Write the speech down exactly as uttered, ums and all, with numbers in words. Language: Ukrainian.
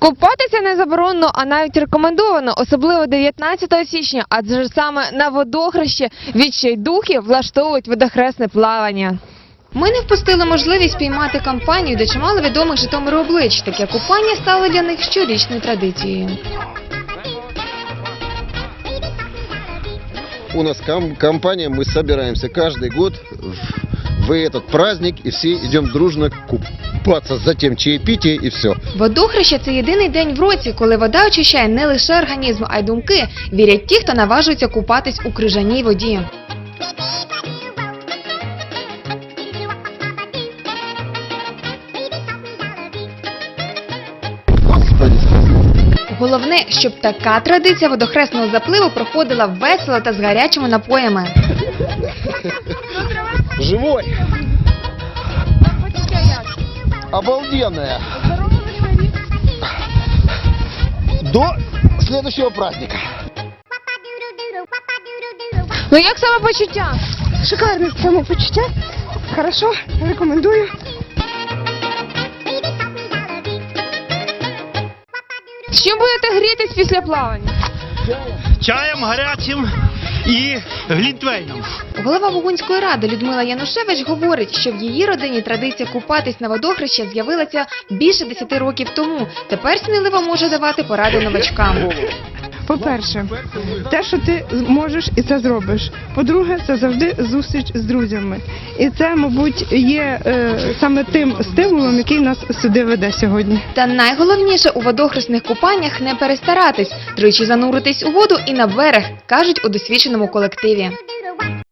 Купатися не заборонено, а навіть рекомендовано, особливо дев'ятнадцятого січня, адже саме на водохрещі відчайдухи влаштовують водохресне плавання. Ми не впустили можливість піймати компанію, де чимало відомих Житомиру облич. Таке купання стало для них щорічною традицією. У нас ком компания, мы собираемся каждый год в, в этот праздник и все идем дружно купаться, затем чаепитие и все. Водохреща – це єдиний день в році, коли вода очищає не лише організм, а й думки, вірять ті, хто наважується купатись у крижаній воді. Головне, щоб така традиція водохресного запливу проходила весело та з гарячими напоями. Живой! Обалденная! До следующего праздника! Ну як самопочуття? Шикарне самопочуття. Хорошо, рекомендую. З чим будете грітись після плавання? Чаєм гарячим і глінтвейном. Голова Бугунської ради Людмила Янушевич говорить, що в її родині традиція купатись на водохрещі з'явилася більше десяти років тому. Тепер сміливо може давати поради новачкам. По-перше, те, що ти можеш і це зробиш. По-друге, це завжди зустріч з друзями. І це, мабуть, є е, саме тим стимулом, який нас сюди веде сьогодні. Та найголовніше у водохресних купаннях не перестаратись, тричі зануритись у воду і на берег, кажуть у досвідченому колективі.